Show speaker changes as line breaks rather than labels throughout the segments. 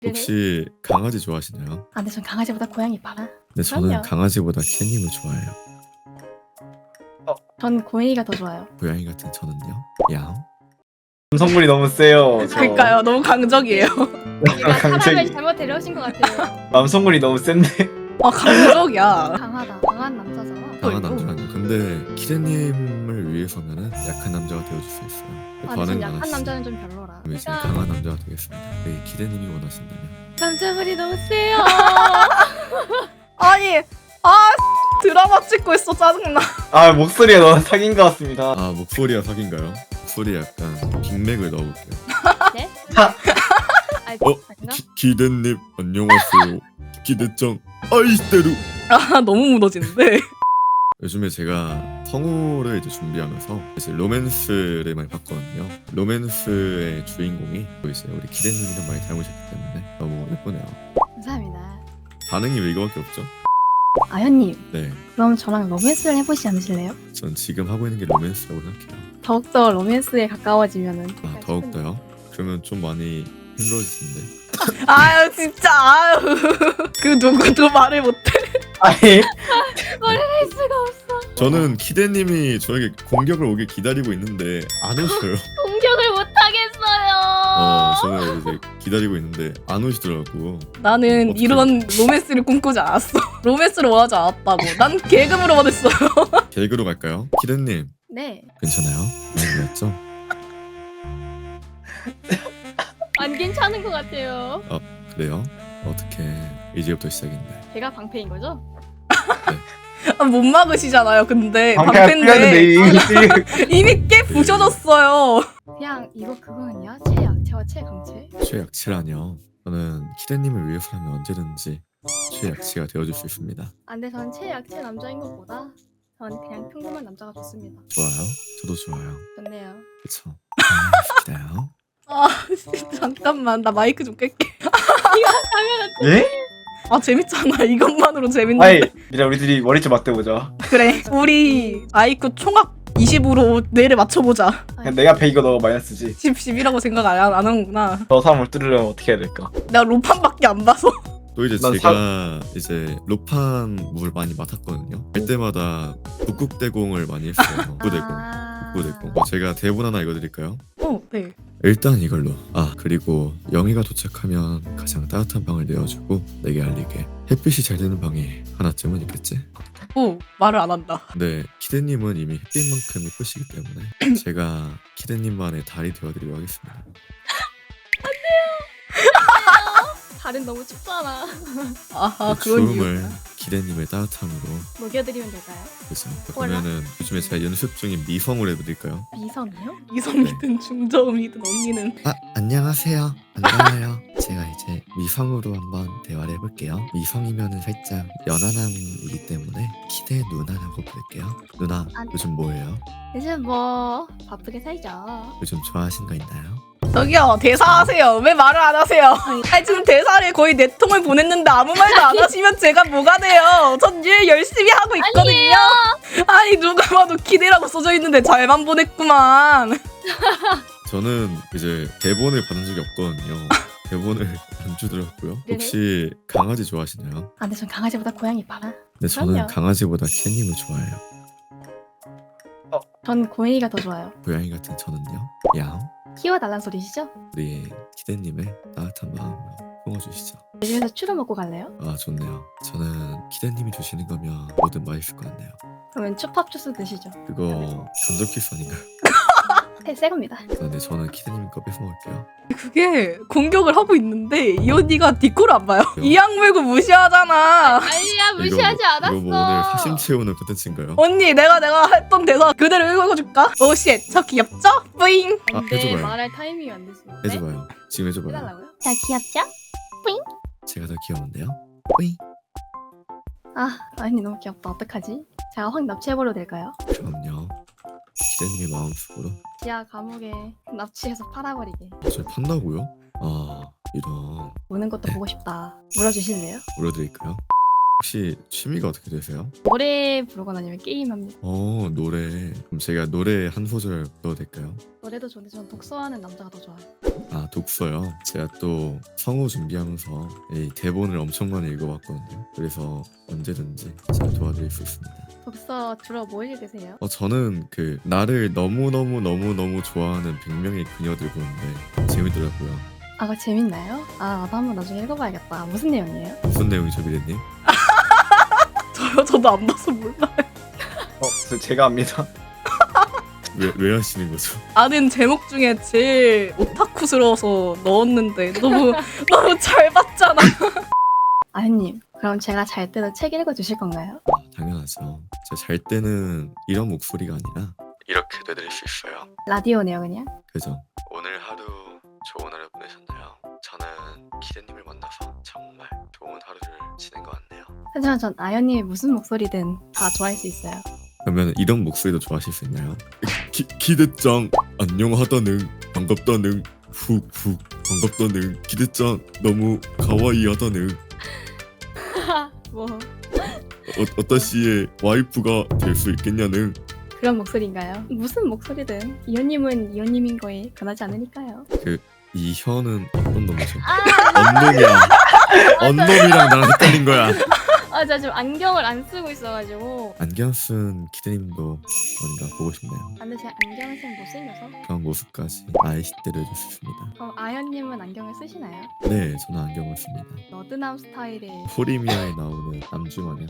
혹시 강아지 좋아하시나요?
아, 근데 전 강아지보다 고양이 봐라.
네, 저는
그럼요.
강아지보다 캣님을 좋아해요.
전 고양이가 더 좋아요.
고양이 같은 저는요? 야옹?
성분이 너무 세요. 저.
그러니까요. 너무 강적이에요.
내가 사람을
강적이.
잘못 데려오신 것 같아요.
남성분이 너무 센데.
강적이야.
강하다. 강한 남자잖아.
강한 남자라뇨. 근데 키레님을 위해서면은 약한 남자가 되어줄 수 있어요.
아, 근데 전
반응
약한
많았어요.
남자는 좀 별로라.
그럼 이제
그러니까
강한 남자가 되겠습니다. 네, 키레님이 원하신다면.
남자분이 너무 세요.
아니, 드라마 찍고 있어. 짜증나.
아 목소리가 너무 사귄 것 같습니다.
아, 목소리가 사귄가요? 목소리에 약간 빅맥을 넣어볼게요.
아니,
어?
아닌가?
기대님 안녕하세요. 기대짱 아이스테루.
너무 무너지는데.
요즘에 제가 성우를 이제 준비하면서 이제 로맨스를 많이 봤거든요. 로맨스의 주인공이 또 이제 우리 기대님이랑 많이 닮으셨기 때문에 너무 예쁘네요.
감사합니다.
반응이 왜 이거밖에 없죠?
아현님,
네,
그럼 저랑 로맨스를 해보시지 않으실래요?
전 지금 하고 있는 게 로맨스라고 생각해요.
더욱더 로맨스에 가까워지면은.
아, 더욱더요? 그러면 좀 많이 힘들어지는데.
아유, 진짜. 아유. 그 누구도 말을 못해.
아니
할 수가 없어.
저는 기대님이 저에게 공격을 오길 기다리고 있는데 안 오셔요.
공격을 못 하겠어요.
저는 이제 기다리고 있는데 안 오시더라고.
나는
어떡해.
이런 로맨스를 꿈꾸지 않았어. 로맨스를 원하지 않았다고. 난 계급으로 원했어요.
개그로 갈까요? 기대님
네,
괜찮아요? 많이 놀랐죠?
안 괜찮은 것 같아요.
그래요? 어떻게 이제부터 시작인데.
제가 방패인 거죠?
못 막으시잖아요. 근데
방패가
방패인데
틀렸는데
이미 깨 부셔졌어요.
그냥 이거 그거는요? 최약체와 최강체?
최약치라뇨. 저는 키레님을 위해서라면 언제든지 최약치가 되어줄 수 있습니다.
아, 근데 전 최약체 남자인 것보다 전 그냥 평범한 남자가 좋습니다.
좋아요? 저도 좋아요.
좋네요.
그쵸? 기다요.
잠깐만, 나 마이크 좀 깰게.
예?
재밌잖아. 이것만으로 재밌는데.
아이 이제 우리들이 머리 좀 맞대보자.
그래, 우리 아이큐 총합 20으로 뇌를 맞춰보자.
그냥 내가 100이고 너가 마이너스지.
10이라고 생각 안 하는구나.
저 사람을 뚫으려면 어떻게 해야 될까?
내가 로판밖에 안 봐서.
또 이제
난
제가 이제 로판 물 많이 맡았거든요. 할 때마다 북극대공을 많이 했어요. 북구대공. 북구대공. 제가 대본 하나 읽어드릴까요?
네.
일단 이걸로. 아, 그리고 영희가 도착하면 가장 따뜻한 방을 내어주고 내게 알리게. 햇빛이 잘 드는 방이 하나쯤은 있겠지?
말을 안 한다.
근데 키데님은 이미 햇빛만큼 이쁘시기 때문에 제가 키데님만의 달이 되어드리도록 하겠습니다.
달은 너무 춥잖아.
아하,
그
그런
추움을
이유구나.
키데님의 따뜻함으로.
녹여드리면 될까요?
그래서 그러면은 요즘에 제가 연습 중인 미성을 해드릴까요?
미성이요?
이성이든 중저음이든 언니는.
아, 안녕하세요. 안녕하세요. 제가 이제 미성으로 한번 대화를 해볼게요. 미성이면은 살짝 연하남이기 때문에 키대 누나라고 부를게요. 누나, 요즘 뭐예요?
요즘 뭐 바쁘게 살죠.
요즘 좋아하신 거 있나요?
저기요, 대사하세요. 왜 말을 안 하세요? 아니, 지금 대사를 거의 4통을 보냈는데 아무 말도 안 하시면 제가 뭐가 돼요? 전 일 열심히 하고 있거든요. 아니, 누가 봐도 기대라고 써져 있는데 잘만 보냈구만.
저는 이제 대본을 받은 적이 없거든요. 대본을 안 주더라고요. 혹시 강아지 좋아하시나요?
아, 근데 전 강아지보다 고양이 봐라.
네, 저는
그럼요.
강아지보다 캣님을 좋아해요.
전 고양이가 더 좋아요.
고양이 같은 저는요? 야옹?
키워달란 소리시죠?
우리 키데님의 따뜻한 마음으로 품어주시죠.
집에서 추루 먹고 갈래요?
아, 좋네요. 저는 키데님이 주시는 거면 뭐든 맛있을 것 같네요.
그러면 추팝 주스 드시죠.
그거 간접 키스 아닌가요?
새 겁니다.
네, 저는 키데님 거 뺏어 먹을게요.
그게 공격을 하고 있는데 이 언니가 디코를 안 봐요. 이 악물고 무시하잖아.
아니야,
이거 뭐 오늘 사심 채우는 컨텐츠인가요?
언니, 내가 했던 대사 그대로 읽어줄까? 오쉣, 저 귀엽죠? 뿌잉.
아,
근데
해줘봐요.
말할 타이밍이 안 됐어요.
해줘봐요. 지금 해줘봐요.
해달라고요? 자, 귀엽죠?
제가 더 귀여운데요? 뿌잉.
아, 아니 너무 귀엽다. 어떡하지? 제가 확 납치해버려도 될까요?
그럼요. 키데님의 마음속으로.
지하 감옥에 납치해서 팔아버리게.
저 판다고요? 아, 이런.
우는 것도 보고 싶다. 물어주실래요?
물어드릴까요? 혹시 취미가 어떻게 되세요?
노래 부르거나 아니면 게임합니다.
노래. 그럼 제가 노래 한 소절 불러도 될까요?
노래도 좋은데 전 독서하는 남자가 더 좋아요.
아, 독서요. 제가 또 성우 준비하면서 이 대본을 엄청 많이 읽어봤거든요. 그래서 언제든지 제가 도와드릴 수 있습니다.
독서 주로 뭐 읽으세요?
저는 그 나를 너무 좋아하는 100명의 그녀들 보는데 재밌더라고요.
아, 그거 재밌나요? 아, 나도 한번 나중에 읽어봐야겠다. 무슨 내용이에요?
무슨 내용이죠, 미래님?
저도 안 봐서 몰라요.
제가 압니다.
왜 하시는 거죠?
아는 제목 중에 제일 오타쿠스러워서 넣었는데 너무 잘 봤잖아.
아현님, 그럼 제가 잘 때도 책 읽어주실 건가요?
당연하죠. 제가 잘 때는 이런 목소리가 아니라 이렇게 되드릴 수 있어요.
라디오네요, 그냥.
그죠? 오늘 하루 좋은 하루 보내셨나요? 저는 기대님을 만나서 정말 좋은 하루를 지낸 것 같네요.
하지만 전 아현님이 무슨 목소리든 다 좋아할 수 있어요.
그러면 이런 목소리도 좋아하실 수 있나요? 기대짱 안녕하다는 반갑다는 훅훅 반갑다는 기대짱 너무 가와이하다는
뭐
어따시의 와이프가 될 수 있겠냐는
그런 목소리인가요? 무슨 목소리든 이현님은 이현님인 거에 변하지 않으니까요.
이 혀는 어떤 놈이죠? 언놈이랑 언놈이랑 나랑 헷갈린 거야.
아, 제가 지금 안경을 안 쓰고 있어가지고.
안경 쓴 기대님도 뭔가 보고 싶네요.
아, 근데 제가 안경을 쓰면 못생겨서.
그런 모습까지 아이시대로 해줄 수 있습니다.
그럼 아현님은 안경을 쓰시나요?
네, 저는 안경을 씁니다.
너드남 스타일의
포리미아에 나오는 남주 마냥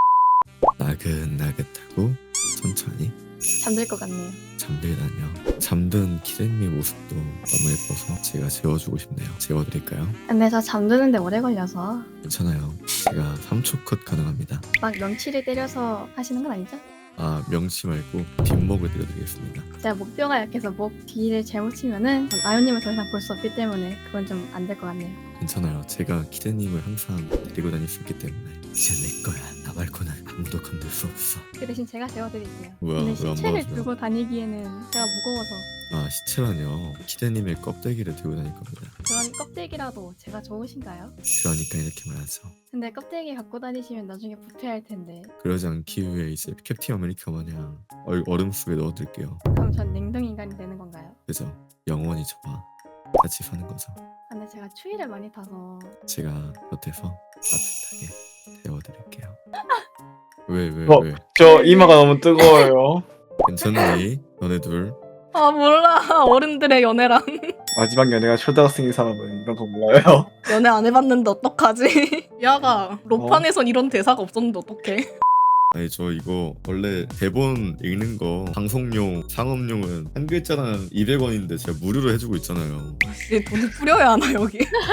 나긋나긋하고 천천히
잠들 것 같네요.
잠들다뇨. 잠든 기대님의 모습도 너무 예뻐서 제가 재워주고 싶네요. 재워드릴까요?
근데 저 잠드는데 오래 걸려서
괜찮아요. 제가 3초 컷 가능합니다.
막 명치를 때려서 하시는 건 아니죠?
아, 명치 말고 뒷목을 드려드리겠습니다.
제가 목뼈가 약해서 목 뒤를 잘못 치면은 전 아현님을 더 이상 볼 수 없기 때문에 그건 좀 안 될 것 같네요.
괜찮아요. 제가 기대님을 항상 데리고 다닐 수 있기 때문에 이제 내 거야. 나 말고는 아무도 건들 수 없어.
그 대신 제가 재워드릴게요.
뭐야,
근데
왜안
시체를
봐주나?
들고 다니기에는 제가 무거워서
아, 시체라뇨. 기대님의 껍데기를 들고 다닐 겁니다.
그런 껍데기라도 제가 좋으신가요?
그러니까 이렇게 말하죠.
근데 껍데기 갖고 다니시면 나중에 부패할 텐데.
그러지 않기 위해 이제 캡틴 아메리카 마냥 얼음 속에 넣어둘게요.
그럼 전 냉동 인간이 되는 건가요?
그죠? 영원히 저와 같이 사는 거죠.
아, 근데 제가 추위를 많이 타서
제가 곁에서 따뜻하게 데워드릴게요. 왜?
어. 저 이마가 너무 뜨거워요.
괜찮니? 너네 둘?
아 몰라. 어른들의 연애랑
마지막 연애가 초등학생인 사람은 이런 거 몰라요.
연애 안 해봤는데 어떡하지? 야가 로판에선 이런 대사가 없었는데 어떡해?
아니, 저 이거 원래 대본 읽는 거 방송용 상업용은 한 글자당 200원인데 제가 무료로 해주고 있잖아요.
이제 돈을 뿌려야 하나 여기?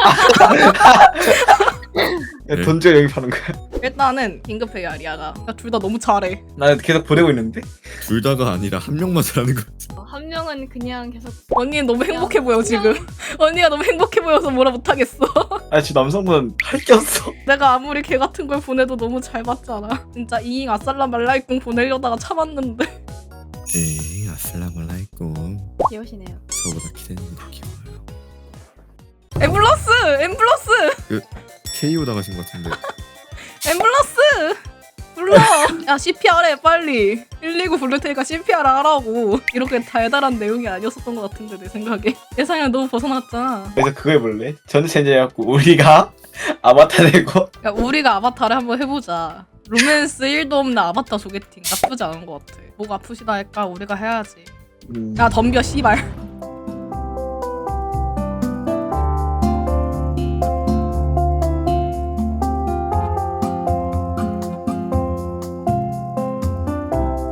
네.
돈 줘 여기 파는 거야.
일단은 긴급해요 아리아가. 둘 다 너무 잘해.
나 계속 보내고 있는데.
둘 다가 아니라 한 명만 잘하는 거지.
한 명은 그냥 계속
언니는 너무 행복해 보여 지금. 언니가 너무 행복해 보여서 뭐라 못하겠어.
아 지금 남성분 할 게 없어.
내가 아무리 개 같은 걸 보내도 너무 잘 봤잖아. 진짜 이잉 아살라 말라이꿍 보내려다가 참았는데.
에이, 아슬라말라이쿰.
귀여우시네요.
저보다 기대님이 더 귀여워요.
앰뷸런스!
KO 당하신 것 같은데.
앰뷸런스! 불러! 야 CPR 해 빨리. 119 부를 테니까 CPR 하라고. 이렇게 달달한 내용이 아니었었던 것 같은데 내 생각에. 예상이랑 너무 벗어났잖아.
그래서 그거 해볼래? 전체 체제해갖고 우리가 아바타 되고.
야, 우리가 아바타를 한번 해보자. 로맨스 1도 없는 아바타 소개팅 나쁘지 않은 것 같아. 목 아프시다 할까 우리가 해야지. 야 덤벼 씨발.